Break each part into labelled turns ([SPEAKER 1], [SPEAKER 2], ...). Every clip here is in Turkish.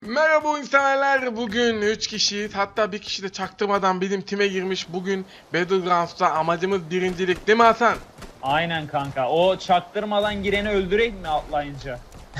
[SPEAKER 1] Merhaba oyun severler. Bugün 3 kişiyiz. Hatta bir kişi de çaktırmadan bizim time girmiş. Bugün Battlegrounds'ta amacımız birincilik, değil mi Hasan?
[SPEAKER 2] Aynen kanka. O çaktırmadan gireni öldürek mi atlayınca?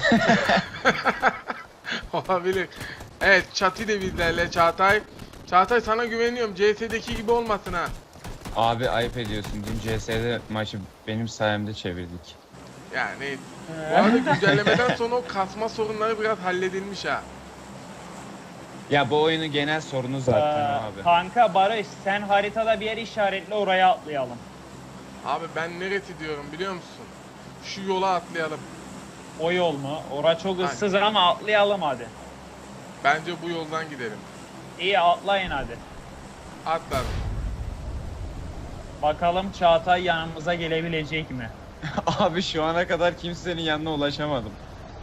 [SPEAKER 1] Olabilir. Evet, Çatı da bizlerle, Çağatay. Çağatay, sana güveniyorum. CS'deki gibi olmasın ha.
[SPEAKER 3] Abi ayıp ediyorsun. Dün CS'de maçı benim sayemde çevirdik.
[SPEAKER 1] Yani bu arada güncellemeden sonra o kasma sorunları biraz halledilmiş ha.
[SPEAKER 3] Ya bu oyunun genel sorunu zaten abi.
[SPEAKER 2] Kanka Barış, sen haritada bir yer işaretle, oraya atlayalım.
[SPEAKER 1] Abi ben neresi diyorum biliyor musun? Şu yola atlayalım.
[SPEAKER 2] O yol mu? Ora çok ıssız ama atlayalım hadi.
[SPEAKER 1] Bence bu yoldan gidelim.
[SPEAKER 2] İyi, atlayın hadi.
[SPEAKER 1] Atladım.
[SPEAKER 2] Bakalım Çağatay yanımıza gelebilecek mi?
[SPEAKER 3] Abi şu ana kadar kimsenin yanına ulaşamadım.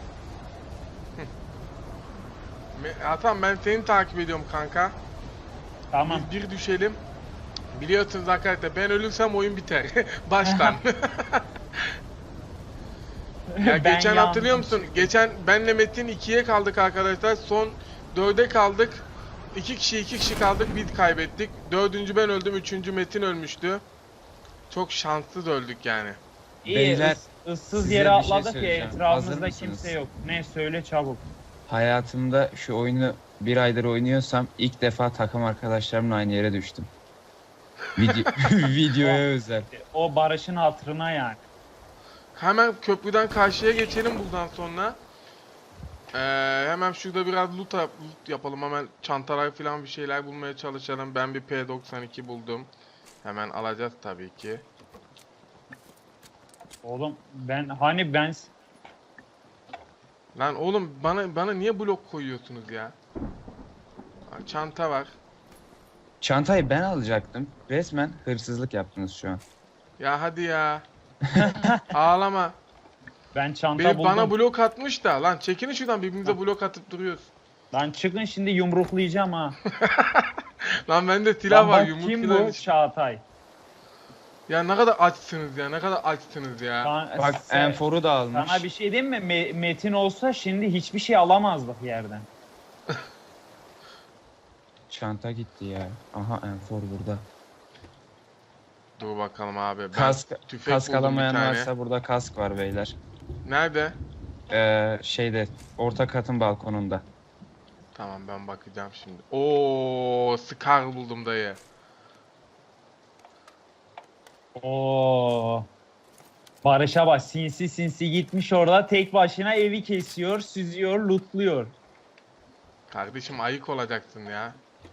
[SPEAKER 1] Hasan, ben seni takip ediyorum kanka.
[SPEAKER 2] Tamam.
[SPEAKER 1] Biz bir düşelim. Biliyorsunuz arkadaşlar, ben ölürsem oyun biter. Baştan. Ya
[SPEAKER 2] Ben
[SPEAKER 1] geçen
[SPEAKER 2] yandım
[SPEAKER 1] hatırlıyor musun?
[SPEAKER 2] çünkü.
[SPEAKER 1] Geçen benle Metin 2'ye kaldık arkadaşlar. Son 4'e kaldık. 2 kişi kaldık. Biz kaybettik. 4. ben öldüm. 3. Metin ölmüştü. Çok şanssız öldük yani.
[SPEAKER 2] İyi,
[SPEAKER 3] Beyler,
[SPEAKER 2] ıssız
[SPEAKER 3] size
[SPEAKER 2] yere
[SPEAKER 3] bir şey
[SPEAKER 2] atladık ya,
[SPEAKER 3] söyleyeceğim. Hazır
[SPEAKER 2] etrafımızda
[SPEAKER 3] mısınız?
[SPEAKER 2] kimse yok. Ne, söyle çabuk.
[SPEAKER 3] Hayatımda şu oyunu bir aydır oynuyorsam ilk defa takım arkadaşlarımla aynı yere düştüm. Videoya özel.
[SPEAKER 2] O Barış'ın hatırına yani.
[SPEAKER 1] Hemen köprüden karşıya geçelim buradan sonra. Hemen şurada biraz loot yapalım. Hemen çantalar falan bir şeyler bulmaya çalışalım. Ben bir P92 buldum. Hemen alacağız tabii ki.
[SPEAKER 2] Oğlum ben
[SPEAKER 1] Lan oğlum, bana niye blok koyuyorsunuz ya? Çanta var.
[SPEAKER 3] Çantayı ben alacaktım. Resmen hırsızlık yaptınız şu an.
[SPEAKER 1] Ya hadi ya. Ağlama.
[SPEAKER 2] çanta
[SPEAKER 1] Biri
[SPEAKER 2] buldum.
[SPEAKER 1] bana blok atmış da. Lan çekinin şuradan, birbirimize blok atıp duruyoruz.
[SPEAKER 2] Lan çıkın şimdi, yumruklayacağım ha.
[SPEAKER 1] Lan bende silah
[SPEAKER 2] Lan
[SPEAKER 1] var,
[SPEAKER 2] bak,
[SPEAKER 1] yumruk
[SPEAKER 2] kim
[SPEAKER 1] filan
[SPEAKER 2] bu?
[SPEAKER 1] iş-
[SPEAKER 2] Çağatay.
[SPEAKER 1] Ya ne kadar açsınız ya, ne kadar açsınız ya.
[SPEAKER 3] Bak enforu da almış.
[SPEAKER 2] Sana bir şey diyeyim mi? Metin olsa şimdi hiçbir şey alamazdık yerden.
[SPEAKER 3] Çanta gitti ya. Aha enfor burada.
[SPEAKER 1] Dur bakalım abi. Ben
[SPEAKER 3] Kask
[SPEAKER 1] tüfek buldum bir
[SPEAKER 3] alamayan
[SPEAKER 1] tane.
[SPEAKER 3] varsa burada kask var beyler.
[SPEAKER 1] Nerede?
[SPEAKER 3] Şeyde orta katın balkonunda.
[SPEAKER 1] Tamam, ben bakacağım şimdi. Oo, Scar buldum dayı.
[SPEAKER 2] Oo. Barış'a bak, sinsi sinsi gitmiş orada tek başına evi kesiyor, süzüyor, lootluyor.
[SPEAKER 1] Kardeşim, ayık olacaksın ya.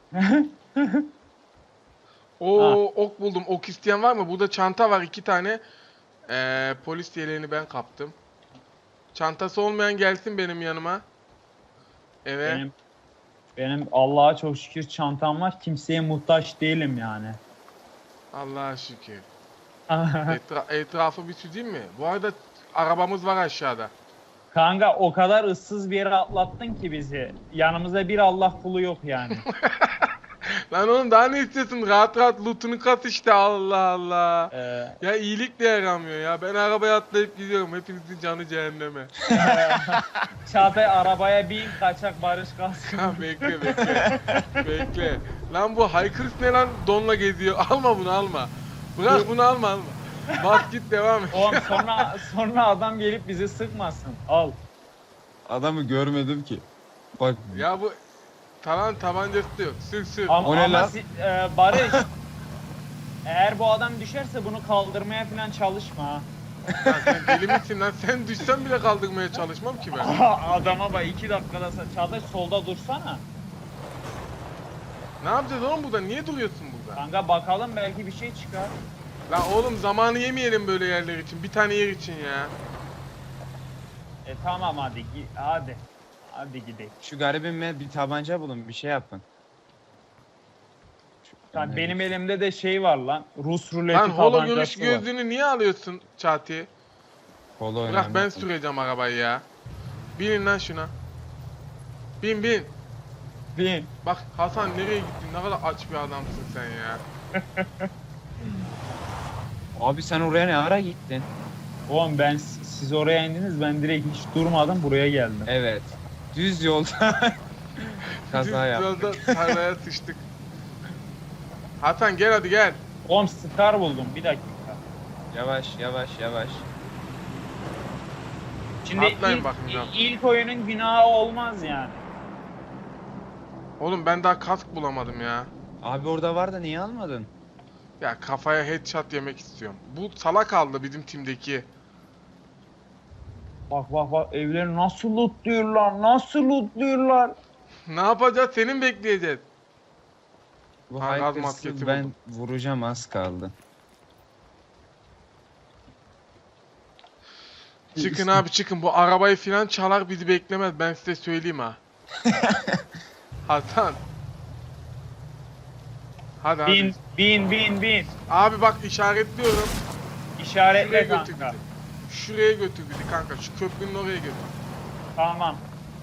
[SPEAKER 1] Oo, ok buldum. Ok isteyen var mı? Burada çanta var 2 tane. Polis yeleğini ben kaptım. Çantası olmayan gelsin benim yanıma. Evet.
[SPEAKER 2] Benim Allah'a çok şükür çantam var. Kimseye muhtaç değilim yani.
[SPEAKER 1] Allah'a şükür. Etrafı bir süzeyim mi? Bu arada arabamız var aşağıda.
[SPEAKER 2] Kanka, o kadar ıssız bir yere atlattın ki bizi. Yanımızda bir Allah kulu yok yani.
[SPEAKER 1] Lan oğlum, daha ne istiyorsun? Rahat rahat lootunu kat işte, Allah Allah.
[SPEAKER 2] Ee,
[SPEAKER 1] Ya iyilik de yaramıyor ya. Ben arabaya atlayıp gidiyorum. Hepinizin canı cehenneme.
[SPEAKER 2] Çağatay, arabaya bin, kaçak Barış kalsın.
[SPEAKER 1] Ha, bekle. Bekle. Lan bu haykırış ne lan? Donla geziyor. Alma bunu, alma. Bırak bunu, alma. Bas git, devam et.
[SPEAKER 2] Oğlum sonra adam gelip bizi sıkmasın. Al.
[SPEAKER 3] Adamı görmedim ki. Bak
[SPEAKER 1] Ya bu tabancası da yok. Sür.
[SPEAKER 2] Ama,
[SPEAKER 3] O ne lan?
[SPEAKER 2] Barış, eğer bu adam düşerse bunu kaldırmaya falan çalışma ha.
[SPEAKER 1] Lan sen deli misin lan? Sen düşsen bile kaldırmaya çalışmam ki ben.
[SPEAKER 2] Adama bak, 2 dakikada Çağatay solda dursana.
[SPEAKER 1] Ne yapacağız oğlum burada? Niye duruyorsun burada?
[SPEAKER 2] Kanka bakalım, belki bir şey çıkar.
[SPEAKER 1] Lan oğlum, zamanı yemeyelim böyle yerler için. Bir tane yer için ya.
[SPEAKER 2] Tamam hadi hadi. Hadi gidelim.
[SPEAKER 3] şu garibime bir tabanca bulun, bir şey yapın.
[SPEAKER 2] Lan benim elimde de şey var lan. Rus ruleti
[SPEAKER 1] Lan holo
[SPEAKER 2] tabancası
[SPEAKER 1] görüş
[SPEAKER 2] var.
[SPEAKER 1] gözlüğünü niye alıyorsun Çağatay?
[SPEAKER 3] Polo
[SPEAKER 1] Bırak,
[SPEAKER 3] önemli.
[SPEAKER 1] ben süreceğim arabayı ya. Binin lan şuna. Bin.
[SPEAKER 2] Bin.
[SPEAKER 1] Bak Hasan, nereye gittin? Ne kadar aç bir adamsın sen ya.
[SPEAKER 3] Abi sen oraya ne ara gittin?
[SPEAKER 2] Oğlum siz oraya indiniz, ben direkt hiç durmadım buraya geldim.
[SPEAKER 3] Evet. Düz yolda kaza
[SPEAKER 1] Biz
[SPEAKER 3] yaptık.
[SPEAKER 1] biraz da tarlaya sıçtık. Hasan gel hadi gel.
[SPEAKER 2] Oğlum Scar buldum bir dakika.
[SPEAKER 3] Yavaş yavaş yavaş.
[SPEAKER 2] Şimdi
[SPEAKER 1] Atlayın
[SPEAKER 2] ilk,
[SPEAKER 1] bakayım
[SPEAKER 2] ilk oyunun günahı olmaz yani.
[SPEAKER 1] Oğlum ben daha kask bulamadım ya.
[SPEAKER 3] Abi orada var da niye almadın?
[SPEAKER 1] Ya kafaya headshot yemek istiyorum. Bu salak aldı bizim timdeki.
[SPEAKER 2] Bak bak bak evleri nasıl lootluyorlar, nasıl lootluyorlar.
[SPEAKER 1] Ne yapacağız? Senin bekleyeceğiz.
[SPEAKER 3] Bu
[SPEAKER 1] Ha, gaz
[SPEAKER 3] Hikers'ı
[SPEAKER 1] maskesi
[SPEAKER 3] ben
[SPEAKER 1] buldum.
[SPEAKER 3] vuracağım, az kaldı.
[SPEAKER 1] Çıkın abi çıkın. Bu arabayı filan çalar bizi beklemez. Ben size söyleyeyim ha. Hasan. Hadi hadi.
[SPEAKER 2] Bin.
[SPEAKER 1] Abi bak işaretliyorum. Şuraya
[SPEAKER 2] İşaretle
[SPEAKER 1] götür
[SPEAKER 2] kanka.
[SPEAKER 1] bizi. Şuraya götür bizi kanka. Şu köprünün oraya götür.
[SPEAKER 2] Tamam.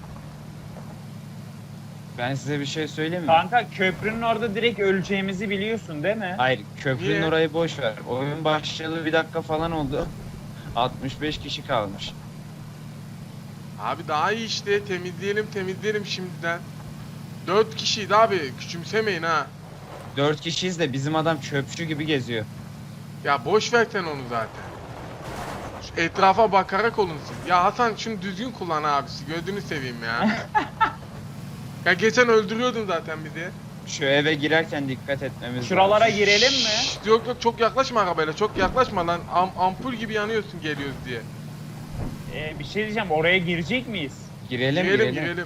[SPEAKER 3] Ben size bir şey söyleyeyim mi?
[SPEAKER 2] Kanka köprünün orada direkt öleceğimizi biliyorsun değil mi?
[SPEAKER 3] Hayır, köprünün
[SPEAKER 1] Niye?
[SPEAKER 3] orayı boş ver. Oyun başlayalı 1 dakika falan oldu. 65 kişi kalmış.
[SPEAKER 1] Abi daha iyi işte. Temizleyelim şimdiden. 4 kişiydi abi. Küçümsemeyin ha.
[SPEAKER 3] 4 kişiyiz de bizim adam çöpçü gibi geziyor.
[SPEAKER 1] Ya boş ver sen onu zaten. Şu etrafa bakarak olun siz. Ya Hasan şunu düzgün kullan abisi. Gözünü seveyim ya. Ya geçen öldürüyordun zaten bizi.
[SPEAKER 3] Şu eve girerken dikkat etmemiz
[SPEAKER 2] Şuralara
[SPEAKER 3] lazım.
[SPEAKER 2] girelim mi?
[SPEAKER 1] Şşt, yok çok yaklaşma arabayla. Çok yaklaşma lan. Ampul gibi yanıyorsun geliyoruz diye.
[SPEAKER 2] Bir şey diyeceğim oraya girecek miyiz?
[SPEAKER 3] Girelim.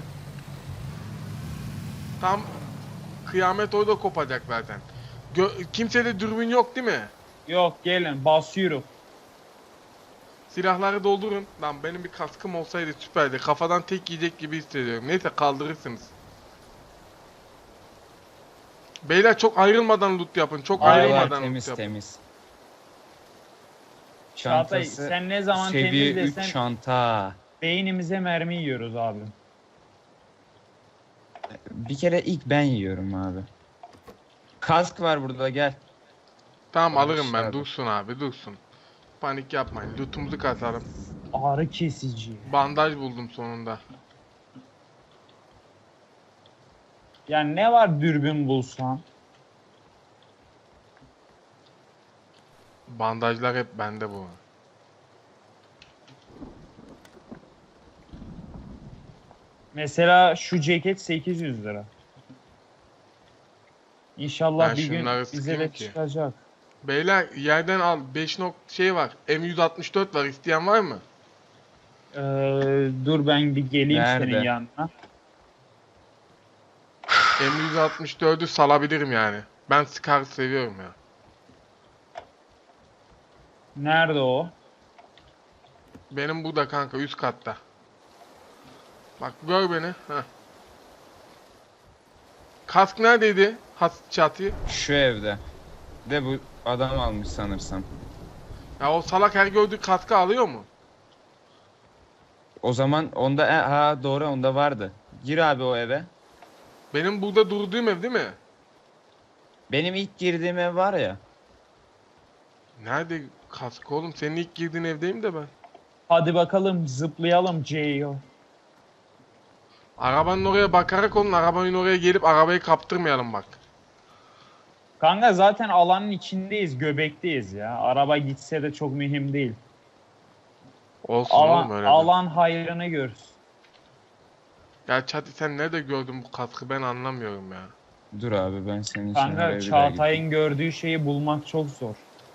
[SPEAKER 1] Tam kıyamet orada kopacak zaten. Kimsede dürbün yok değil mi?
[SPEAKER 2] Yok gelin basıyorum.
[SPEAKER 1] Silahları doldurun. Lan benim bir kaskım olsaydı süperdi. Kafadan tek yiyecek gibi hissediyorum. Neyse kaldırırsınız. Beyler çok ayrılmadan loot yapın. Çok
[SPEAKER 2] Aynen.
[SPEAKER 1] ayrılmadan loot
[SPEAKER 3] Temiz
[SPEAKER 1] yapın.
[SPEAKER 3] temiz.
[SPEAKER 2] Çağatay
[SPEAKER 3] Çantası
[SPEAKER 2] sen ne zaman
[SPEAKER 3] seviye 3
[SPEAKER 2] temizlesen
[SPEAKER 3] çanta.
[SPEAKER 2] beynimize mermi yiyoruz abi.
[SPEAKER 3] Bir kere ilk ben yiyorum abi. Kask var burada, gel.
[SPEAKER 1] Tamam
[SPEAKER 3] Abi
[SPEAKER 1] alırım ben.
[SPEAKER 3] aşağıda.
[SPEAKER 1] Dursun abi dursun. Panik yapmayın. Lootumuzu katalım.
[SPEAKER 2] Ağrı kesici.
[SPEAKER 1] Bandaj buldum sonunda.
[SPEAKER 2] Yani ne var dürbün bulsan?
[SPEAKER 1] Bandajlar hep bende bu.
[SPEAKER 2] Mesela şu ceket 800 lira. İnşallah
[SPEAKER 1] Ben
[SPEAKER 2] bir gün
[SPEAKER 1] şunları
[SPEAKER 2] bize
[SPEAKER 1] sıkayım
[SPEAKER 2] de
[SPEAKER 1] ki.
[SPEAKER 2] çıkacak.
[SPEAKER 1] Beyler yerden al. 5 şey var. M164 var. İsteyen var mı?
[SPEAKER 2] Dur ben bir geleyim
[SPEAKER 3] Nerede?
[SPEAKER 2] senin yanına.
[SPEAKER 1] M164'ü salabilirim yani. Ben Scar seviyorum ya.
[SPEAKER 2] Nerede o?
[SPEAKER 1] Benim bu da kanka üst katta. Bak gör beni. Heh. Kask neredeydi? Çatı.
[SPEAKER 3] Şu evde. De bu adam almış sanırsam.
[SPEAKER 1] Ya o salak her gördüğü kaskı alıyor mu?
[SPEAKER 3] O zaman onda ha doğru, onda vardı. Gir abi o eve.
[SPEAKER 1] Benim burada durduğum ev değil mi?
[SPEAKER 3] Benim ilk girdiğim ev var ya.
[SPEAKER 1] Nerede kask oğlum? Senin ilk girdiğin evdeyim de ben.
[SPEAKER 2] Hadi bakalım zıplayalım Ceyo.
[SPEAKER 1] Arabanın oraya bakarak olun. Arabanın oraya gelip arabayı kaptırmayalım bak.
[SPEAKER 2] Kanka zaten alanın içindeyiz, göbekteyiz ya. Araba gitse de çok mühim değil.
[SPEAKER 1] Olsun oğlum
[SPEAKER 2] Alan,
[SPEAKER 1] öyle de.
[SPEAKER 2] alan hayrını görsün.
[SPEAKER 1] Ya Çati sen nerede gördün bu kaskı ben anlamıyorum ya.
[SPEAKER 3] Dur abi, ben senin için oraya
[SPEAKER 2] Kanka
[SPEAKER 3] bir daha gideyim.
[SPEAKER 2] Çağatay'ın gördüğü şeyi bulmak çok zor.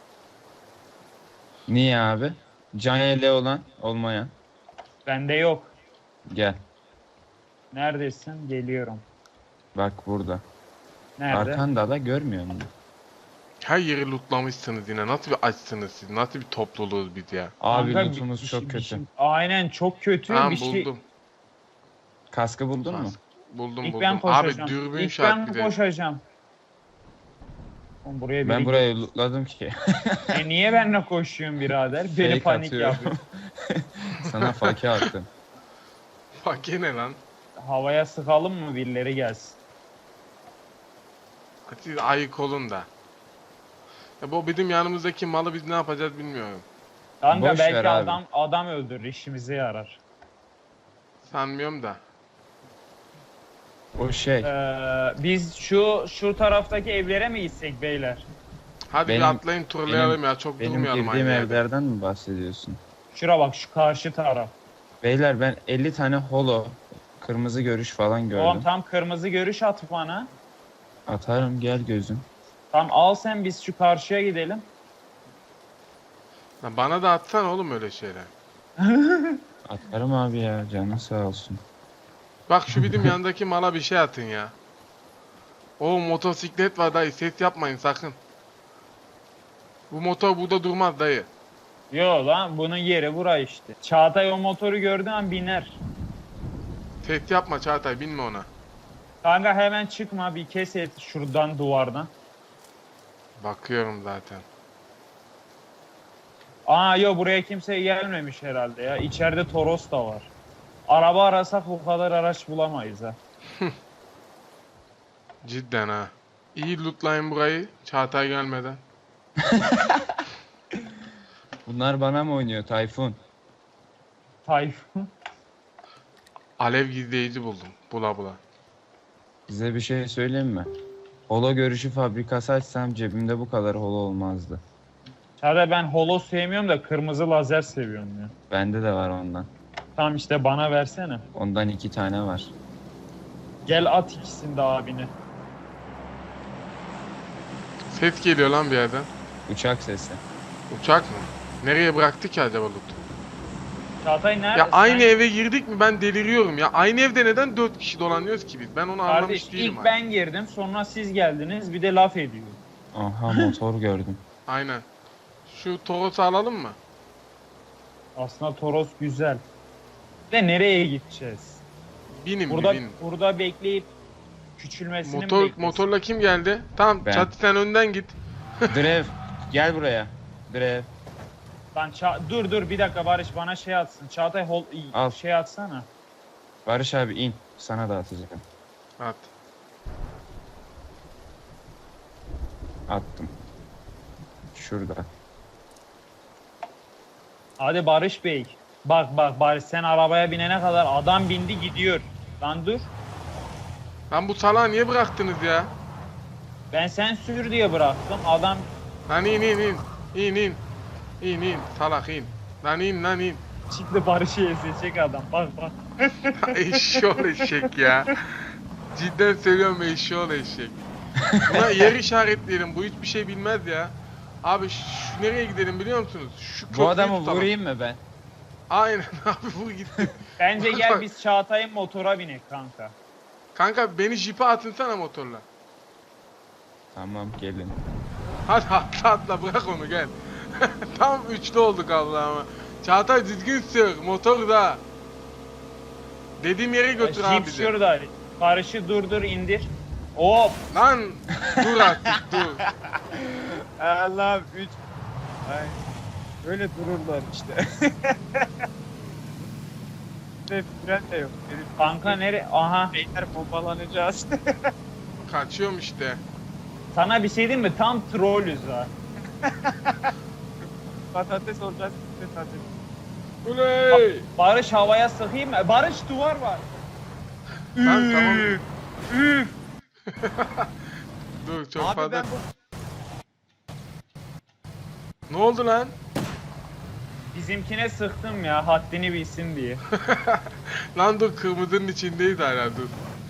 [SPEAKER 3] Niye abi? Can yeleği olan olmayan.
[SPEAKER 2] Bende yok.
[SPEAKER 3] Gel.
[SPEAKER 2] Neredesin? Geliyorum.
[SPEAKER 3] Bak burada.
[SPEAKER 2] Nerede?
[SPEAKER 3] Arkanda da görmüyor musun?
[SPEAKER 1] Her yeri lootlamışsınız yine. Nasıl bir açsınız siz? Nasıl bir topluluğuz biz ya?
[SPEAKER 3] Abi
[SPEAKER 2] Kanka,
[SPEAKER 3] lootumuz çok kötü.
[SPEAKER 2] Aynen çok kötü
[SPEAKER 1] Tamam
[SPEAKER 2] bir şey.
[SPEAKER 1] buldum.
[SPEAKER 3] Kaskı buldun mu?
[SPEAKER 1] Kask. Buldum
[SPEAKER 2] İlk
[SPEAKER 1] buldum.
[SPEAKER 2] ben
[SPEAKER 1] Abi
[SPEAKER 2] koşacağım.
[SPEAKER 1] dürbün
[SPEAKER 2] İlk
[SPEAKER 1] şart
[SPEAKER 2] ben
[SPEAKER 1] bir de.
[SPEAKER 2] koşacağım. Oğlum buraya
[SPEAKER 3] Ben
[SPEAKER 2] biri
[SPEAKER 3] burayı lootladım ki.
[SPEAKER 2] niye benimle koşuyorsun birader? Beni
[SPEAKER 3] Fake
[SPEAKER 2] panik
[SPEAKER 3] atıyorum.
[SPEAKER 2] yapıyor.
[SPEAKER 3] Sana fake attım.
[SPEAKER 1] Bak yine lan.
[SPEAKER 2] Havaya sıkalım mı birileri gelsin.
[SPEAKER 1] Siz ayık olun da. Ya bu bizim yanımızdaki malı biz ne yapacağız bilmiyorum.
[SPEAKER 2] Kanka
[SPEAKER 3] Boş ver
[SPEAKER 2] belki
[SPEAKER 3] abi.
[SPEAKER 2] adam, öldürür işimize yarar.
[SPEAKER 1] Sanmıyorum da.
[SPEAKER 3] O şey.
[SPEAKER 2] Biz şu taraftaki evlere mi gitsek beyler?
[SPEAKER 1] Hadi bir
[SPEAKER 3] Benim-
[SPEAKER 1] atlayın turlayalım ya. Çok
[SPEAKER 3] Benim
[SPEAKER 1] durmayalım
[SPEAKER 3] girdiğim
[SPEAKER 1] aynı yerde.
[SPEAKER 3] evlerden mi bahsediyorsun?
[SPEAKER 2] Şura bak, şu karşı taraf.
[SPEAKER 3] Beyler ben 50 tane holo, kırmızı görüş falan gördüm.
[SPEAKER 2] Oğlum tam kırmızı görüş at bana.
[SPEAKER 3] Atarım gel gözüm.
[SPEAKER 2] Tam al sen, biz şu karşıya gidelim.
[SPEAKER 1] Lan bana da atsan oğlum öyle şeyler.
[SPEAKER 3] Atarım abi ya canın sağ olsun.
[SPEAKER 1] Bak şu bizim yanındaki mala bir şey atın ya. O motosiklet var dayı, ses yapmayın sakın. Bu motor burada durmaz dayı.
[SPEAKER 2] Yo lan, bunun yeri bura işte. Çağatay o motoru gördüğü an biner.
[SPEAKER 1] Ses yapma Çağatay, binme ona.
[SPEAKER 2] Kanka hemen çıkma, bir kes et şuradan, duvardan.
[SPEAKER 1] Bakıyorum zaten.
[SPEAKER 2] Aa yo, buraya kimse gelmemiş herhalde ya. İçeride Toros da var. Araba arasak o kadar araç bulamayız ha.
[SPEAKER 1] Cidden ha. İyi lootlayın burayı Çağatay gelmeden.
[SPEAKER 3] Bunlar bana mı oynuyor Tayfun?
[SPEAKER 2] Tayfun.
[SPEAKER 1] Alev gizleyici buldum. Bula bula.
[SPEAKER 3] Size bir şey söyleyeyim mi? Holo görüşü fabrikası açsam cebimde bu kadar holo olmazdı.
[SPEAKER 2] Çağatay, ben holo sevmiyorum da kırmızı lazer seviyorum ya.
[SPEAKER 3] Bende de var ondan.
[SPEAKER 2] Tamam işte, bana versene.
[SPEAKER 3] Ondan 2 tane var.
[SPEAKER 1] Gel
[SPEAKER 2] At ikisini de abine.
[SPEAKER 1] Ses geliyor lan bir yerden.
[SPEAKER 3] Uçak sesi.
[SPEAKER 1] Uçak mı? Nereye bıraktı ki acaba loot?
[SPEAKER 2] Çağatay nerede?
[SPEAKER 1] Ya aynı
[SPEAKER 2] Sen-
[SPEAKER 1] eve girdik mi ben deliriyorum ya. Aynı evde neden 4 kişi dolanıyoruz ki biz? Ben onu
[SPEAKER 2] Kardeş,
[SPEAKER 1] anlamış değilim.
[SPEAKER 2] ilk ben girdim, sonra siz geldiniz, bir de laf ediyor.
[SPEAKER 3] Aha motor gördüm.
[SPEAKER 1] Aynen. Şu Toros'u alalım mı?
[SPEAKER 2] Aslında Toros güzel. De nereye gideceğiz?
[SPEAKER 1] Binin
[SPEAKER 2] Burada
[SPEAKER 1] bir binin.
[SPEAKER 2] burada bekleyip küçülmesini mi bekleyeceğiz?
[SPEAKER 1] Motorla kim geldi? Tamam
[SPEAKER 3] Ben.
[SPEAKER 1] Çatı sen önden git.
[SPEAKER 3] Drev gel buraya. Drev.
[SPEAKER 2] Lan dur bir dakika, Barış bana şey atsın. Çağatay
[SPEAKER 3] Al.
[SPEAKER 2] şey atsana.
[SPEAKER 3] Barış abi in. Sana da atacağım.
[SPEAKER 1] At.
[SPEAKER 3] Attım. Şurada.
[SPEAKER 2] Hadi Barış Bey. Bak Barış, sen arabaya binene kadar adam bindi gidiyor. Lan dur.
[SPEAKER 1] Lan bu salağı niye bıraktınız ya?
[SPEAKER 2] Ben sen sür diye bıraktım. Adam
[SPEAKER 1] Lan in. İn salak in. Lan in.
[SPEAKER 2] çıktı, Barış'ı ezecek adam. Bak.
[SPEAKER 1] Eşşoğlu eşek ya. Cidden söylüyorum eşşoğlu eşek. Buna yer işaretleyelim. Bu hiçbir şey bilmez ya. Abi şu nereye gidelim biliyor musunuz? Şu
[SPEAKER 3] Bu
[SPEAKER 1] köprüyü
[SPEAKER 3] adamı
[SPEAKER 1] tutalım.
[SPEAKER 3] vurayım mı ben?
[SPEAKER 1] Aynen abi vur gitti.
[SPEAKER 2] Bence gel biz Çağatay'ın motora binek kanka.
[SPEAKER 1] Kanka beni jipe atınsana motorla.
[SPEAKER 3] Tamam gelin.
[SPEAKER 1] Hadi atla bırak onu gel. Tam üçlü olduk Allah'ıma. Çağatay düzgün sür motor da. Dediğim yere götür abi
[SPEAKER 2] Jeep
[SPEAKER 1] bizi.
[SPEAKER 2] şurada. Barış'ı durdur indir. Hop.
[SPEAKER 1] Lan dur artık dur.
[SPEAKER 3] Allah'ım 3. Ay. Böyle dururlar işte. Fren de yok.
[SPEAKER 2] Kanka nere? Aha.
[SPEAKER 3] Beyler bombalanacağız.
[SPEAKER 1] Kaçıyorum işte.
[SPEAKER 2] Sana bir şey diyeyim mi? Tam trollüz ha.
[SPEAKER 3] Patates olacağız. Patates.
[SPEAKER 1] Uley!
[SPEAKER 2] Barış havaya sıkayım mı? Barış, duvar var.
[SPEAKER 1] Lan tamam. Dur çok
[SPEAKER 3] Abi
[SPEAKER 1] fazla.
[SPEAKER 3] ben bu...
[SPEAKER 1] Ne oldu lan?
[SPEAKER 2] Bizimkine sıktım ya, haddini bilsin diye.
[SPEAKER 1] Lan dur kırmızının içindeyiz hala dur.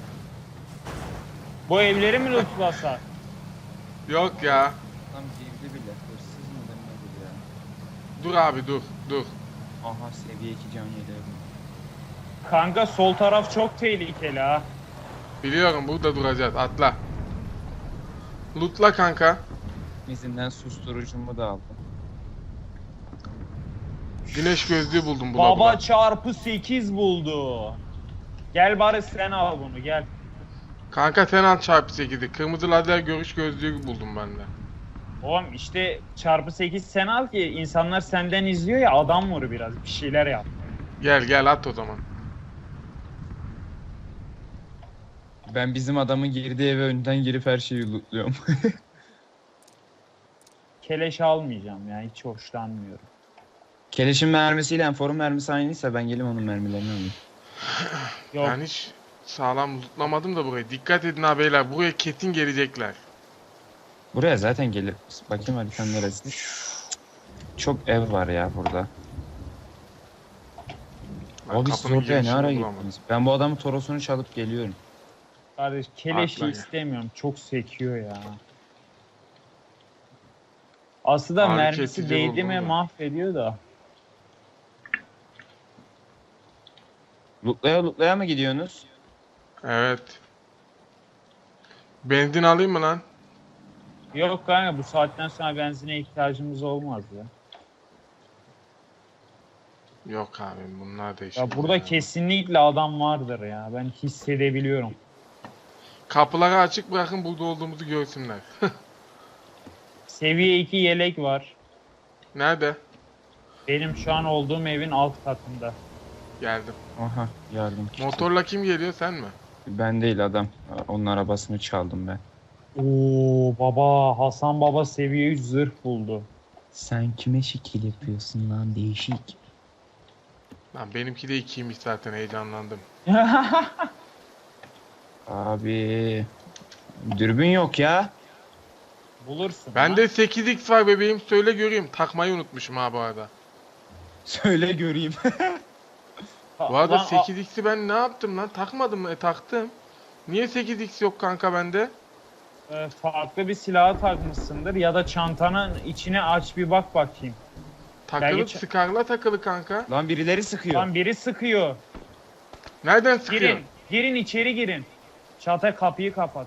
[SPEAKER 2] Bu evleri mi lootlasak?
[SPEAKER 1] Yok ya.
[SPEAKER 3] Tam girdi bile. Hırsız mı nedir ya?
[SPEAKER 1] Dur abi dur.
[SPEAKER 3] Aha seviye 2 can yedi.
[SPEAKER 2] Kanka sol taraf çok tehlikeli ha.
[SPEAKER 1] Biliyorum burada duracağız atla. Lootla kanka.
[SPEAKER 3] İzinden susturucumu da aldım.
[SPEAKER 1] Güneş gözlüğü buldum bula
[SPEAKER 2] Baba
[SPEAKER 1] bula.
[SPEAKER 2] çarpı 8 buldu. Gel Barış, sen al bunu gel.
[SPEAKER 1] Kanka sen al çarpı 8'i. Kırmızı lazer görüş gözlüğü buldum ben de.
[SPEAKER 2] Oğlum işte çarpı 8 sen al ki insanlar senden izliyor ya, adam vur biraz, bir şeyler yap.
[SPEAKER 1] Gel at o zaman.
[SPEAKER 3] Ben bizim adamın girdiği eve önden girip her şeyi lootluyorum.
[SPEAKER 2] Keleş almayacağım ya, hiç hoşlanmıyorum.
[SPEAKER 3] Keleşin mermisiyle forum mermisi aynıysa ben gelip onun mermilerini alayım.
[SPEAKER 2] Yok
[SPEAKER 1] Ben hiç sağlam lootlamadım da burayı. Dikkat edin ha beyler. Buraya kesin gelecekler.
[SPEAKER 3] Buraya zaten gelir. Bakayım haritanın neresi? Çok ev var ya burada.
[SPEAKER 1] Ben
[SPEAKER 3] Abi siz
[SPEAKER 1] kapının
[SPEAKER 3] oraya ne
[SPEAKER 1] girişini
[SPEAKER 3] ara
[SPEAKER 1] bulamadım.
[SPEAKER 3] gittiniz? Ben bu adamın torosunu çalıp geliyorum.
[SPEAKER 2] Kardeş keleşi
[SPEAKER 1] Atla ya.
[SPEAKER 2] istemiyorum. Çok sekiyor ya. Aslında
[SPEAKER 1] Ağrı
[SPEAKER 2] mermisi
[SPEAKER 1] kesici
[SPEAKER 2] değdi
[SPEAKER 1] buldum
[SPEAKER 2] mi
[SPEAKER 1] da.
[SPEAKER 2] mahvediyor da.
[SPEAKER 3] Lootlaya mı gidiyorsunuz?
[SPEAKER 1] Evet. Benzin alayım mı lan?
[SPEAKER 2] Yok kanka bu saatten sonra benzine ihtiyacımız olmaz ya.
[SPEAKER 1] Yok abi bunlar da işim.
[SPEAKER 2] Ya burada kesinlikle adam vardır ya. Ben hissedebiliyorum.
[SPEAKER 1] Kapıları açık bırakın burada olduğumuzu görsünler.
[SPEAKER 2] Seviye 2 yelek var.
[SPEAKER 1] Nerede?
[SPEAKER 2] Benim şu an olduğum evin alt katında.
[SPEAKER 1] Geldim.
[SPEAKER 3] Aha yardım kiti.
[SPEAKER 1] Motorla kim geliyor sen mi?
[SPEAKER 3] Ben değil adam. Onun arabasını çaldım ben.
[SPEAKER 2] Oo baba Hasan baba seviye 3 zırh buldu.
[SPEAKER 3] Sen kime şekil yapıyorsun lan değişik.
[SPEAKER 1] Lan benimki de 2'ymiş zaten heyecanlandım.
[SPEAKER 3] Abi dürbün yok ya.
[SPEAKER 2] Bulursun.
[SPEAKER 1] Bende 8x var bebeğim söyle göreyim. Takmayı unutmuşum ha bu arada.
[SPEAKER 3] Söyle göreyım.
[SPEAKER 1] Bu arada
[SPEAKER 2] Lan,
[SPEAKER 1] 8x'i ben ne yaptım lan? Takmadım mı? Taktım. Niye 8x yok kanka bende?
[SPEAKER 2] farklı bir silahı takmışsındır ya da çantanın içine aç bir bak bakayım.
[SPEAKER 1] Takılı
[SPEAKER 2] geç-
[SPEAKER 1] Scar'la takılı kanka.
[SPEAKER 3] Lan birileri sıkıyor.
[SPEAKER 2] Lan biri sıkıyor.
[SPEAKER 1] Nereden sıkıyor?
[SPEAKER 2] Girin. Girin içeri girin. Çatay kapıyı kapat.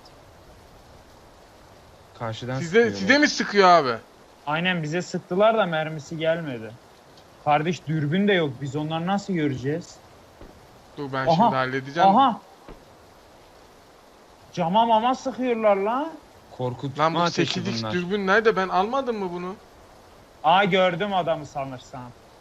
[SPEAKER 3] Karşıdan
[SPEAKER 1] Size mi sıkıyor abi?
[SPEAKER 2] Aynen bize sıktılar da mermisi gelmedi. Kardeş dürbün de yok. Biz onları nasıl göreceğiz?
[SPEAKER 1] Dur ben
[SPEAKER 2] Aha,
[SPEAKER 1] şimdi halledeceğim.
[SPEAKER 2] Aha. Cama mama sıkıyorlar lan.
[SPEAKER 3] Korkutma
[SPEAKER 1] Lan bu
[SPEAKER 3] ateşi
[SPEAKER 1] 8x
[SPEAKER 3] bunlar.
[SPEAKER 1] dürbün nerede? Ben almadım mı bunu?
[SPEAKER 2] Aa gördüm adamı sanırsam.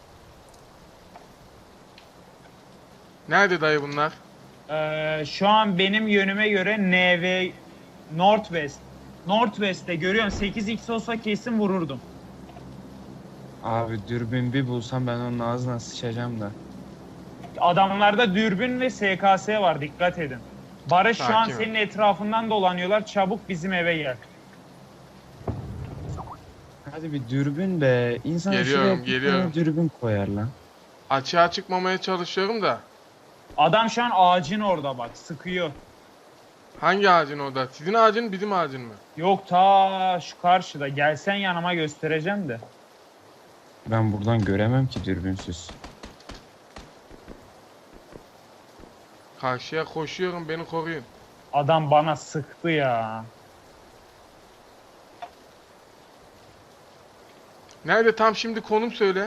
[SPEAKER 1] Nerede dayı bunlar?
[SPEAKER 2] Şu an benim yönüme göre NV Northwest. Northwest'te görüyorsun 8x olsa kesin vururdum.
[SPEAKER 3] Abi dürbün bir bulsam ben onun ağzına sıçacağım da.
[SPEAKER 2] Adamlarda dürbün ve SKS var dikkat edin. Barış şu an
[SPEAKER 1] Sakin ol.
[SPEAKER 2] senin etrafından dolanıyorlar. Çabuk bizim eve gel.
[SPEAKER 3] Hadi bir dürbün be. İnsan
[SPEAKER 1] Geliyorum,
[SPEAKER 3] şuraya bir
[SPEAKER 1] geliyorum.
[SPEAKER 3] tane dürbün koyar lan.
[SPEAKER 1] Açığa çıkmamaya çalışıyorum da.
[SPEAKER 2] Adam şu an ağacın orada bak sıkıyor.
[SPEAKER 1] Hangi ağacın orada? Sizin ağacın bizim ağacın mı?
[SPEAKER 2] Yok ta şu karşıda. Gelsen yanıma göstereceğim de.
[SPEAKER 3] Ben buradan göremem ki dürbünsüz.
[SPEAKER 1] Karşıya koşuyorum beni koruyun.
[SPEAKER 2] Adam bana sıktı ya.
[SPEAKER 1] Nerede tam şimdi konum söyle.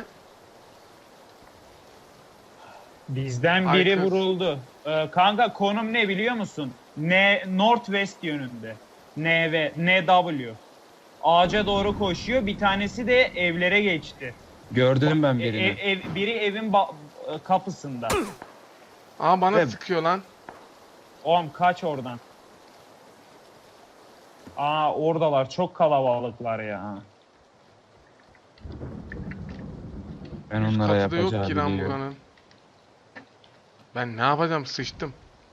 [SPEAKER 2] Bizden
[SPEAKER 1] Ay
[SPEAKER 2] biri
[SPEAKER 1] kız.
[SPEAKER 2] vuruldu. Kanka konum ne biliyor musun? Northwest yönünde. NW. Ağaca doğru koşuyor. Bir tanesi de evlere geçti.
[SPEAKER 3] Gördüm ben birini.
[SPEAKER 2] Biri evin kapısında.
[SPEAKER 1] Aa bana
[SPEAKER 3] Evet.
[SPEAKER 1] sıkıyor lan.
[SPEAKER 2] Oğlum kaç oradan. Aa oradalar. Çok kalabalıklar ya.
[SPEAKER 3] Ben
[SPEAKER 1] Üst
[SPEAKER 3] onlara
[SPEAKER 1] katı da yok
[SPEAKER 3] yapacağı
[SPEAKER 1] ki lan
[SPEAKER 3] biliyorum.
[SPEAKER 1] buranın. Ben ne yapacağım sıçtım.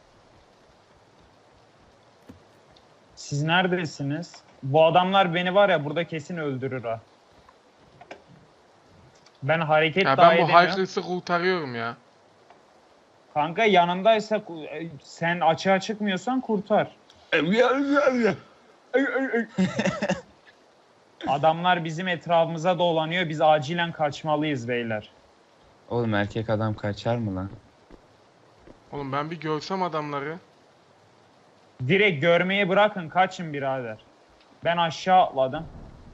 [SPEAKER 2] Siz neredesiniz? Bu adamlar beni var ya burada kesin öldürür ha. Ben hareket
[SPEAKER 1] Ya
[SPEAKER 2] daha
[SPEAKER 1] ben bu
[SPEAKER 2] edemiyorum.
[SPEAKER 1] haykırsı kurtarıyorum ya.
[SPEAKER 2] Kanka yanındaysa sen açığa çıkmıyorsan kurtar. Adamlar bizim etrafımıza dolanıyor. Biz acilen kaçmalıyız beyler.
[SPEAKER 3] Oğlum erkek adam kaçar mı lan?
[SPEAKER 1] Oğlum ben bir görsem adamları.
[SPEAKER 2] Direkt görmeyi bırakın kaçın birader. Ben aşağı atladım.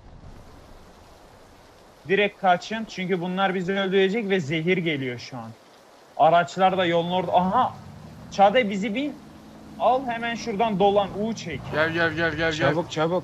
[SPEAKER 2] Direkt kaçın çünkü bunlar bizi öldürecek ve zehir geliyor şu an. Araçlar da yolun orada. Aha! Çağatay bizi bin. Al hemen şuradan dolan U çek.
[SPEAKER 1] Gel gel gel gel gel.
[SPEAKER 3] Çabuk çabuk.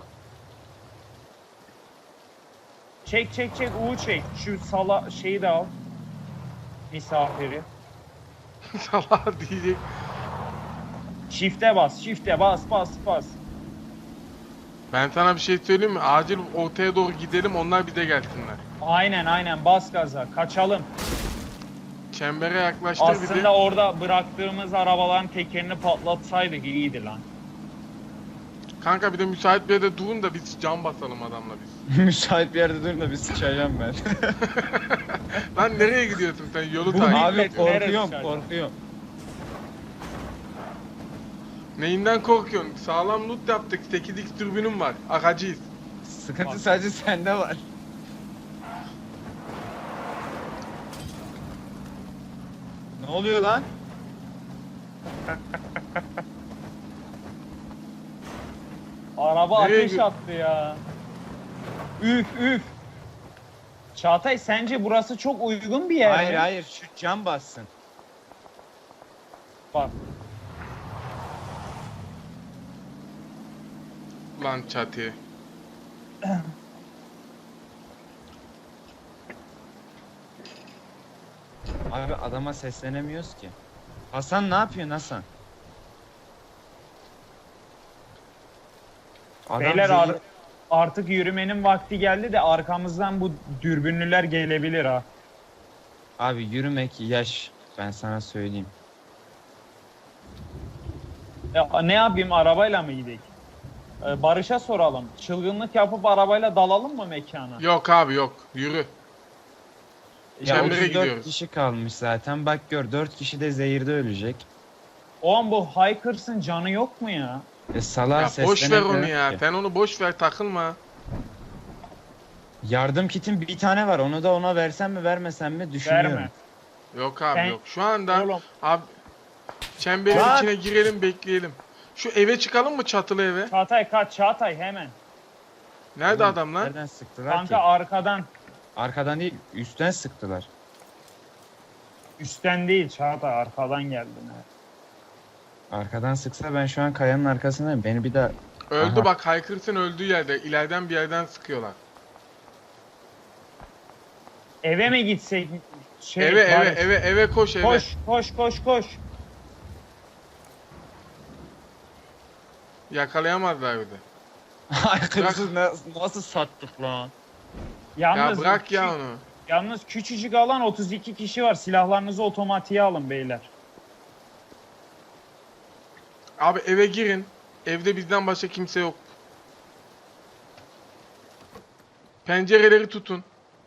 [SPEAKER 2] Çek U çek. Şu sala şeyi de al. Misafiri.
[SPEAKER 1] Salak diyecek.
[SPEAKER 2] Shift'e bas.
[SPEAKER 1] Ben sana bir şey söyleyeyim mi? Acil ortaya doğru gidelim onlar bize gelsinler.
[SPEAKER 2] Aynen bas gaza. Kaçalım.
[SPEAKER 1] Çembere yaklaştır bizi.
[SPEAKER 2] Aslında orada bıraktığımız arabaların tekerini patlatsaydık iyiydi lan.
[SPEAKER 1] Kanka bir de müsait bir yerde durun da biz cam basalım adamla biz.
[SPEAKER 3] Müsait bir yerde durun da bir sıçacağım ben.
[SPEAKER 1] Lan nereye gidiyorsun sen? Yolu
[SPEAKER 2] Bu
[SPEAKER 1] takip
[SPEAKER 2] millet
[SPEAKER 3] Abi
[SPEAKER 1] ediyorsun.
[SPEAKER 2] neresi
[SPEAKER 3] korkuyorum
[SPEAKER 2] sıçacağım?
[SPEAKER 3] korkuyorum.
[SPEAKER 1] Neyinden korkuyorsun? Sağlam loot yaptık. 8x türbünüm var. Akacıyız.
[SPEAKER 3] Sıkıntı
[SPEAKER 2] Bak.
[SPEAKER 3] sadece sende var. Ne oluyor lan?
[SPEAKER 2] Araba
[SPEAKER 1] Nereye
[SPEAKER 2] ateş attı ya. Üf üf. Çağatay sence burası çok uygun bir yer
[SPEAKER 3] Hayır
[SPEAKER 2] mi?
[SPEAKER 3] hayır şu cam bassın.
[SPEAKER 2] Bak.
[SPEAKER 1] Lan çatı.
[SPEAKER 3] Abi adama seslenemiyoruz ki. Hasan ne yapıyorsun Hasan? Adam
[SPEAKER 2] Beyler
[SPEAKER 3] zehir-
[SPEAKER 2] artık yürümenin vakti geldi de arkamızdan bu dürbünlüler gelebilir ha.
[SPEAKER 3] Abi yürümek yaş, ben sana söyleyeyim.
[SPEAKER 2] Ya, ne yapayım arabayla mı gidelim? Barış'a soralım. Çılgınlık yapıp arabayla dalalım mı mekana?
[SPEAKER 1] Yok abi yok. Yürü.
[SPEAKER 3] Ya
[SPEAKER 1] Çembere
[SPEAKER 3] 34
[SPEAKER 1] gidiyoruz.
[SPEAKER 3] kişi kalmış zaten. Bak gör 4 kişi de zehirde ölecek.
[SPEAKER 2] Oğlum bu Hikers'ın canı yok mu ya?
[SPEAKER 3] Salağa
[SPEAKER 1] Ya boş ver
[SPEAKER 3] seslenemiyorum
[SPEAKER 1] onu ya.
[SPEAKER 3] ki.
[SPEAKER 1] Sen onu boş ver, takılma.
[SPEAKER 3] Yardım kitim bir tane var. Onu da ona versem mi vermesem mi düşünüyorum.
[SPEAKER 2] Verme.
[SPEAKER 1] Yok abi
[SPEAKER 2] Sen-
[SPEAKER 1] yok. Şu anda
[SPEAKER 2] Oğlum
[SPEAKER 1] abi çemberin
[SPEAKER 3] Lan!
[SPEAKER 1] içine girelim, bekleyelim. Şu eve çıkalım mı, çatılı eve?
[SPEAKER 2] Çağatay kaç Çağatay hemen.
[SPEAKER 1] Nerede
[SPEAKER 3] Oğlum,
[SPEAKER 1] adamlar?
[SPEAKER 3] Nereden sıktılar
[SPEAKER 2] Kanka
[SPEAKER 3] ki?
[SPEAKER 2] arkadan.
[SPEAKER 3] Arkadan değil, üstten sıktılar.
[SPEAKER 2] Üstten değil Çağatay arkadan geldin.
[SPEAKER 3] Arkadan sıksa ben şu an kayanın arkasındayım. Beni bir daha...
[SPEAKER 1] Öldü
[SPEAKER 3] Aha.
[SPEAKER 1] bak, Hikers'ın öldüğü yerde. İleriden bir yerden sıkıyorlar.
[SPEAKER 2] Eve mi gitsek?
[SPEAKER 1] eve
[SPEAKER 2] Barış,
[SPEAKER 1] eve koş eve.
[SPEAKER 2] Koş.
[SPEAKER 1] Yakalayamazlar bir de.
[SPEAKER 3] Arkasız nasıl sattık lan?
[SPEAKER 2] Yalnız,
[SPEAKER 1] Ya bırak ya onu.
[SPEAKER 2] Yalnız küçücük alan 32 kişi var. Silahlarınızı otomatiğe alın beyler.
[SPEAKER 1] Abi eve girin. Evde bizden başka kimse yok. Pencereleri tutun.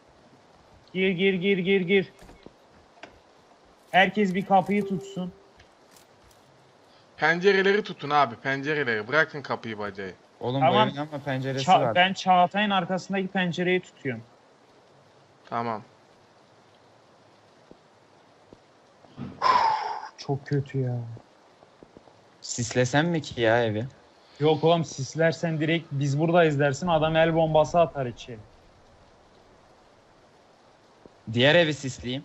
[SPEAKER 2] Gir. Herkes bir kapıyı tutsun.
[SPEAKER 1] Pencereleri tutun abi, pencereleri. Bırakın kapıyı bacayı.
[SPEAKER 3] Oğlum
[SPEAKER 2] Tamam.
[SPEAKER 3] bu evin ama penceresi var.
[SPEAKER 2] Ben Çağatay'ın arkasındaki pencereyi tutuyorum.
[SPEAKER 1] Tamam.
[SPEAKER 2] Çok kötü ya.
[SPEAKER 3] Sislesem mi ki ya evi?
[SPEAKER 2] Yok oğlum sislersen direkt biz buradayız dersin adam el bombası atar içeri.
[SPEAKER 3] Diğer evi sisleyeyim.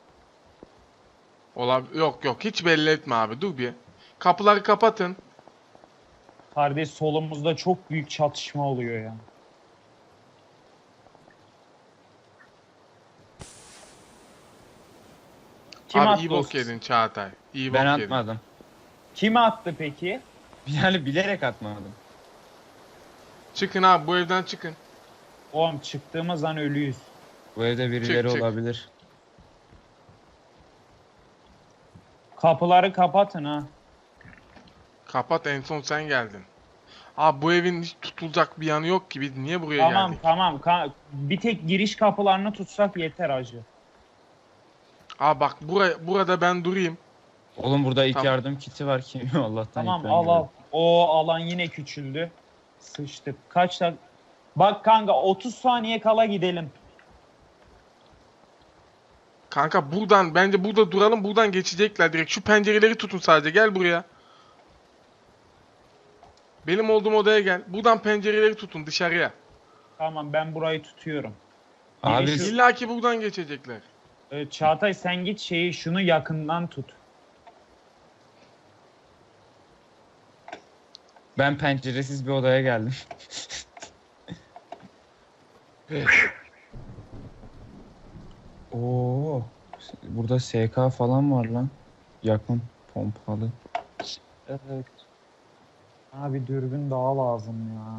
[SPEAKER 1] Yok hiç belli etme abi, dur bir. Kapıları kapatın.
[SPEAKER 2] Kardeş solumuzda çok büyük çatışma oluyor ya. Kim
[SPEAKER 1] Abi
[SPEAKER 2] attı
[SPEAKER 1] iyi
[SPEAKER 2] o
[SPEAKER 1] bok
[SPEAKER 2] sis-
[SPEAKER 1] yedin Çağatay. İyi
[SPEAKER 3] Ben
[SPEAKER 1] bok yedin.
[SPEAKER 3] atmadım.
[SPEAKER 2] Kim attı peki?
[SPEAKER 3] Yani bilerek atmadım.
[SPEAKER 1] Çıkın abi, bu evden çıkın.
[SPEAKER 2] Oğlum çıktığımız an ölüyüz.
[SPEAKER 3] Bu evde birileri
[SPEAKER 1] çık.
[SPEAKER 3] olabilir.
[SPEAKER 2] Kapıları kapatın ha.
[SPEAKER 1] Kapat, en son sen geldin. Abi bu evin hiç tutulacak bir yanı yok ki, biz niye buraya
[SPEAKER 2] Tamam
[SPEAKER 1] geldik?
[SPEAKER 2] tamam. Bir tek giriş kapılarını tutsak yeter acı.
[SPEAKER 1] Abi bak burada ben durayım.
[SPEAKER 3] Oğlum burada ilk
[SPEAKER 1] Tamam.
[SPEAKER 3] yardım kiti var ki Allah'tan
[SPEAKER 2] Tamam
[SPEAKER 3] ilk ben
[SPEAKER 2] al.
[SPEAKER 3] gördüm.
[SPEAKER 2] O alan yine küçüldü. Sıçtık. Kaç dakika? Bak kanka 30 saniye kala gidelim.
[SPEAKER 1] Kanka buradan, bence burada duralım, buradan geçecekler direkt. Şu pencereleri tutun sadece, gel buraya. Benim olduğum odaya gel. Buradan pencereleri tutun dışarıya.
[SPEAKER 2] Tamam ben burayı tutuyorum.
[SPEAKER 3] Abi
[SPEAKER 2] Girişi-
[SPEAKER 1] İlla ki buradan geçecekler.
[SPEAKER 2] Çağatay sen git şunu yakından tut.
[SPEAKER 3] ben penceresiz bir odaya geldim. Oo, burada SK falan var lan. Yakın pompalı.
[SPEAKER 2] Evet. Abi dürbün daha lazım ya.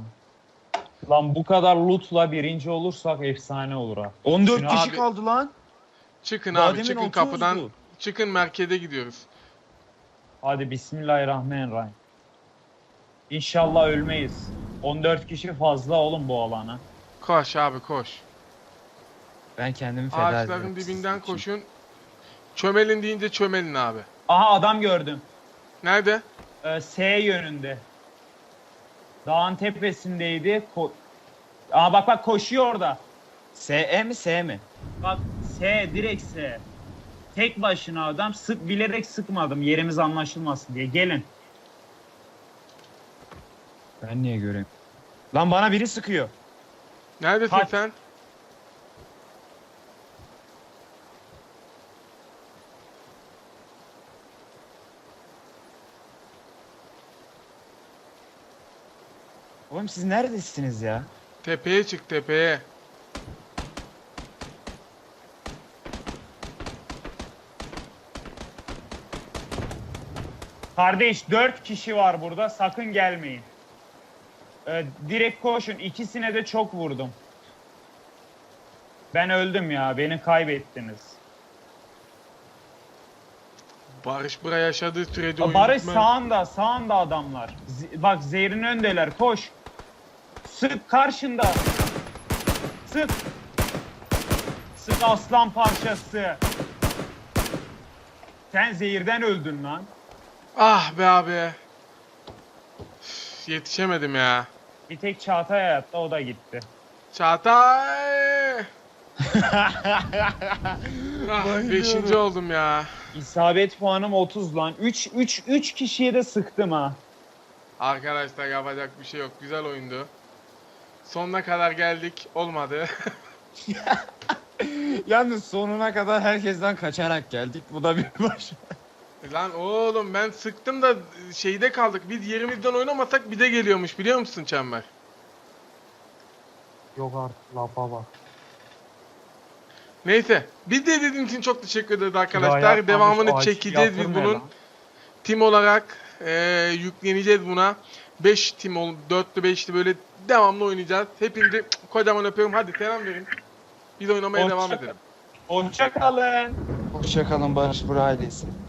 [SPEAKER 2] Lan bu kadar lootla birinci olursak efsane olur ha.
[SPEAKER 3] 14
[SPEAKER 2] Şunu
[SPEAKER 3] kişi
[SPEAKER 1] abi-
[SPEAKER 3] kaldı lan.
[SPEAKER 1] Çıkın
[SPEAKER 3] Daha
[SPEAKER 1] abi,
[SPEAKER 3] demin
[SPEAKER 1] çıkın
[SPEAKER 3] 30'du.
[SPEAKER 1] kapıdan. Çıkın, merkeze gidiyoruz.
[SPEAKER 2] Hadi bismillahirrahmanirrahim. İnşallah ölmeyiz. 14 kişi fazla oğlum bu alana.
[SPEAKER 1] Koş abi, koş.
[SPEAKER 3] Ben kendimi feda ediyorum.
[SPEAKER 1] Ağaçların
[SPEAKER 3] sizin
[SPEAKER 1] dibinden
[SPEAKER 3] için.
[SPEAKER 1] koşun. Çömelin deyince çömelin abi.
[SPEAKER 2] Aha adam gördüm.
[SPEAKER 1] Nerede?
[SPEAKER 2] S yönünde. Dağın tepesindeydi. Aa bak bak koşuyor orada.
[SPEAKER 3] SE mi S mi?
[SPEAKER 2] Bak S, direkt S. Tek başına adam, bilerek sıkmadım yerimiz anlaşılmasın diye. Gelin.
[SPEAKER 3] Ben niye göreyim? Lan bana biri sıkıyor.
[SPEAKER 1] Neredesin
[SPEAKER 2] Kaç.
[SPEAKER 1] sen?
[SPEAKER 3] Oğlum siz neredesiniz ya?
[SPEAKER 1] Tepeye çık, tepeye.
[SPEAKER 2] Kardeş 4 kişi var burada, sakın gelmeyin. Direkt koşun, ikisine de çok vurdum. Ben öldüm ya, beni kaybettiniz.
[SPEAKER 1] Barış buraya yaşadığı sürece
[SPEAKER 2] Barış
[SPEAKER 1] bitmez.
[SPEAKER 2] sağında adamlar. Bak Zehir'in öndeler, koş. Sık karşında. Sık. Sık aslan parçası. Sen Zehir'den öldün lan.
[SPEAKER 1] Ah be abi. Üf, yetişemedim ya.
[SPEAKER 2] Bir tek Çağatay hayatta, o da gitti.
[SPEAKER 1] Çağatay! Ah, 5. oldum ya.
[SPEAKER 2] İsabet puanım 30 lan. 3 kişiye de sıktım ha.
[SPEAKER 1] Arkadaşlar yapacak bir şey yok. Güzel oyundu. Sonuna kadar geldik. Olmadı.
[SPEAKER 3] Yalnız sonuna kadar herkesten kaçarak geldik. Bu da bir baş.
[SPEAKER 1] Lan oğlum ben sıktım da şeyde kaldık. Biz yerimizden oynamasak bir de geliyormuş, biliyor musun Çember?
[SPEAKER 2] Yok artık lafa bak.
[SPEAKER 1] Neyse. Biz de izlediğiniz için çok teşekkür ederiz arkadaşlar. Devamını çekeceğiz biz bunun. Tim olarak yükleneceğiz buna. 5 tim 4'lü 5'li böyle devamlı oynayacağız. Hepinizi kocaman öpüyorum. Hadi selam verin. Biz oynamaya devam edelim.
[SPEAKER 2] Hoşça kalın.
[SPEAKER 3] Hoşçakalın Barış Bura ailesi.